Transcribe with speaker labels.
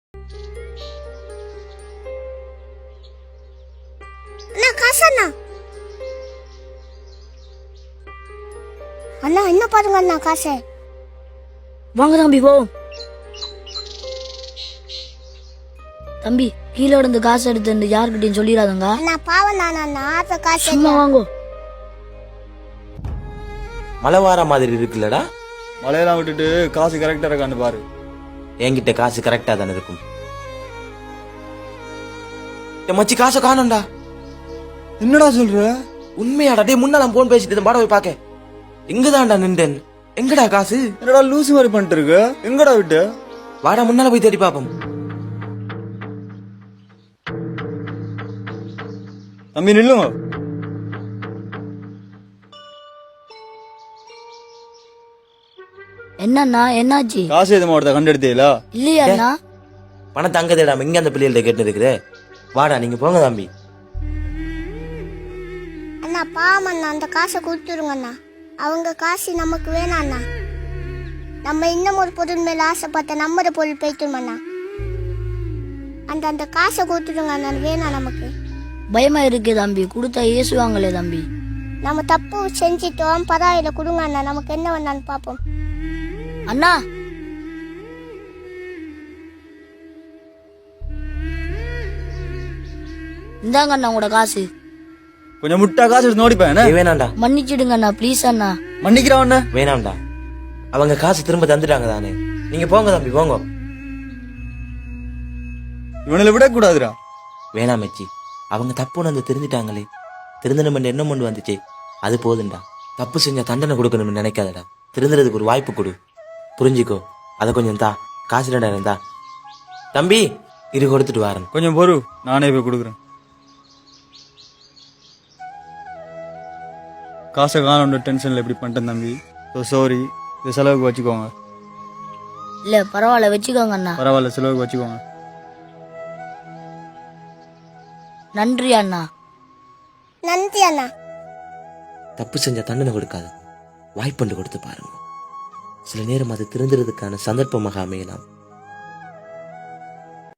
Speaker 1: அண்ணா காசு அண்ணா. அண்ணா என்ன பாருங்க அண்ணா காசு.
Speaker 2: வாங்க தம்பி போ. தம்பி கீழே இருந்து காசு எடுத்து யாருக்கிட்டையும் சொல்லிடாதங்க.
Speaker 1: அண்ணா பாவம் அண்ணா ஆத்த காசு.
Speaker 2: சும்மா வாங்கோ.
Speaker 3: மழை வார மாதிரி இருக்குல்லடா.
Speaker 4: மழையெல்லாம் விட்டுட்டு காசு கரெக்டா இருக்கான்னு பாரு.
Speaker 3: என்கிட்ட காசு கரெக்டா தானே இருக்கும். மச்சி காசை காணோம்டா.
Speaker 4: என்னடா சொல்ற?
Speaker 3: உண்மையாடா? டே முன்னால போன் பேசிட்டு பாட போய் பாக்க. எங்கதான்டா நின்றேன். எங்கடா காசு?
Speaker 4: என்னடா லூசு மாதிரி பண்ணிட்டு இருக்க? எங்கடா விட்டு?
Speaker 3: வாடா முன்னால போய் தேடி பாப்போம்.
Speaker 4: தம்பி நில்லுங்க.
Speaker 2: என்னண்ணா என்னாச்சு?
Speaker 4: காசு எது மாவட்டத்தை கண்டெடுத்தீங்களா?
Speaker 2: இல்லையா அண்ணா?
Speaker 3: பணத்தை அங்க தேடாம இங்க அந்த பிள்ளைகள்ட்ட கேட்டு இருக்குது. வாடா நீங்க போங்க தம்பி.
Speaker 1: அண்ணா பாவம் அண்ணா அந்த காசை கொடுத்துருங்க அண்ணா. அவங்க காசு நமக்கு வேணாம் அண்ணா. நம்ம இன்னும் ஒரு பொருள் மேல ஆசைப்பட்ட நம்ம பொருள் போய்த்துருமண்ணா. அந்த காசை கொடுத்துருங்க அண்ணா. வேணாம் நமக்கு.
Speaker 2: பயமா இருக்கு தம்பி. கொடுத்தா ஏசுவாங்களே தம்பி.
Speaker 1: நம்ம தப்பு செஞ்சிட்டோம். பரவாயில்ல கொடுங்க அண்ணா. நமக்கு என்ன வேணான்னு பாப்போம்.
Speaker 2: அண்ணா இந்தாங்க அண்ணா உங்களோட காசு.
Speaker 4: கொஞ்சம் முட்டா காசு எடுத்து நோடிப்பேன்.
Speaker 3: வேணாம்டா.
Speaker 2: மன்னிச்சிடுங்க அண்ணா ப்ளீஸ் அண்ணா.
Speaker 4: மன்னிக்கிறான்.
Speaker 3: வேணாம்டா. அவங்க காசு திரும்ப தந்துட்டாங்க தானே. நீங்க போங்க தம்பி போங்க.
Speaker 4: இவனில விடக்கூடாதுடா.
Speaker 3: வேணாம் மச்சி. அவங்க தப்பு வந்து தெரிஞ்சிட்டாங்களே. திருந்தணும் என்ன கொண்டு வந்துச்சு அது போதுண்டா. தப்பு செஞ்சா தண்டனை கொடுக்கணும்னு நினைக்காதடா. திருந்துறதுக்கு ஒரு வாய்ப்பு கொடு. புரிஞ்சுக்கோ. அதை கொஞ்சம் தா. காசு 2000 தா தம்பி. இது கொடுத்துட்டு வரேன்.
Speaker 4: கொஞ்சம் பொறு, நானே போய் கொடுக்குறேன். காசை காணோன்ற டென்ஷன்ல எப்படி பண்ணிட்டேன் தம்பி. So sorry. இது செலவுக்கு வச்சுக்கோங்க.
Speaker 2: இல்ல பரவாயில்ல வச்சுக்கோங்க அண்ணா.
Speaker 4: பரவாயில்ல செலவுக்கு வச்சுக்கோங்க.
Speaker 2: நன்றி அண்ணா.
Speaker 1: நன்றி அண்ணா.
Speaker 3: தப்பு செஞ்சா தண்டனை கொடுக்காத. வாய்ப்புண்டு கொடுத்து பாருங்க. சில நேரம் அது திருந்துறதுக்கான சந்தர்ப்பமாக அமையலாம்.